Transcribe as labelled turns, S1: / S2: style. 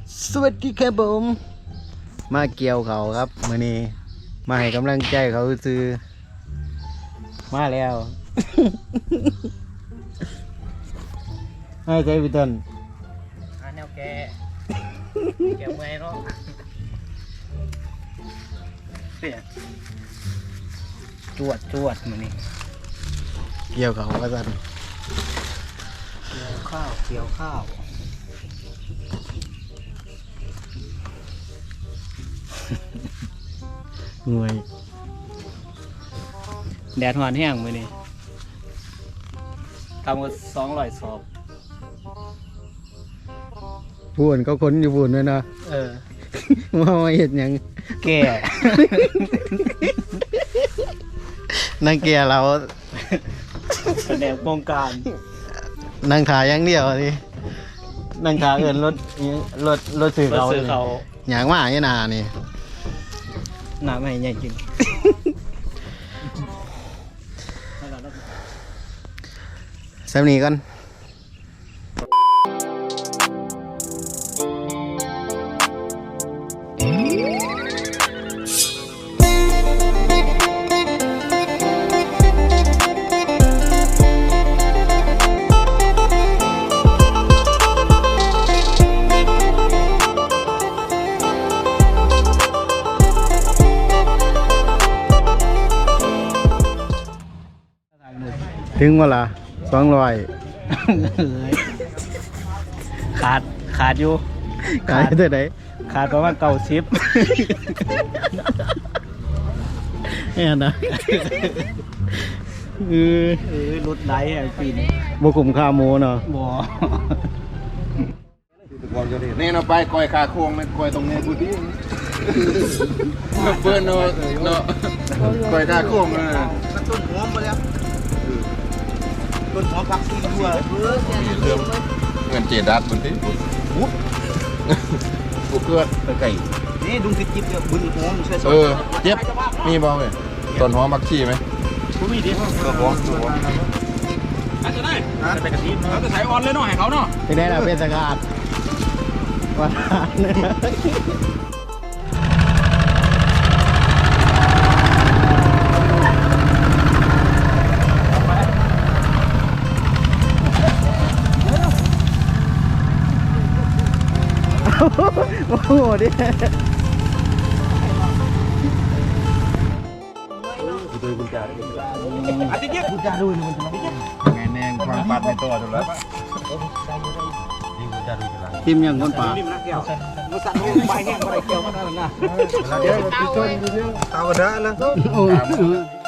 S1: สวัสดีครับผมมาเกี่ยวเขาครับมื้อนี้มาให้กำลังใจเขาซื้อมาแล้วให้ใจพี่ต้น
S2: แนวแกเมื่อยเนาะจวดมื้อนี้
S1: เกี่ยวเขาว่าซั่น
S2: เกี่ยวข้าว
S1: งวย
S2: แดดหอนแห้งมื้อนี้ทำกัน200 สอบ
S1: พูนก็ค้นอยู่พูนด้วยนะ ว่ามาเห็ดหยัง
S2: แก่
S1: นั่งเกียร์เรา
S2: แผนกวงการ
S1: นั่งขาอย่างเดียวนี่นั่งขาเอินรถสื่อเขา
S2: ซื้อเขา
S1: อย่างว่าอย่างนานี่
S2: น้ำให้ใหญ่กิน
S1: สำนีก่อนถึงเวลา200
S2: ขาดอยู่
S1: ขายเท่าไหร่
S2: ขาดประมาณ90
S1: เนี่ยนะ
S2: รุดไหลแห่งปีนี้
S1: บกุมค่าหมูเนาะ
S2: บ่
S3: นี่เราไปคอยคาโค้งนะคอยตรงนี้กูดิเพื่อนเนาะคอยคาโค้งนะต้นหอมไปแล้วต้นหอมพักซีทั่วเงินเจดัดบนที่กูเกิดไก่นี่ดุงคิดจิบเนี่ยบุญหอมใช่ไหมเจ็บมีบ้างไหมต้นหอมมักชีไหมกูมีดิต้นหอมจะได้ไปกระทิเราจะใส่ออนเลยเนาะให้เขาเนาะ
S1: ที่ได้เราเป็นสกัดว่าโอ้โหดิ
S3: แน่ความปัดในตัวถูกแล้วปะ
S1: ทิมยังคนป่า
S2: มาสั่นไปแห้งอะไรเกี่ยวกันนั่นนะ
S3: เดี๋ยวพี่ต้นเรื่องตาวดาแล้ว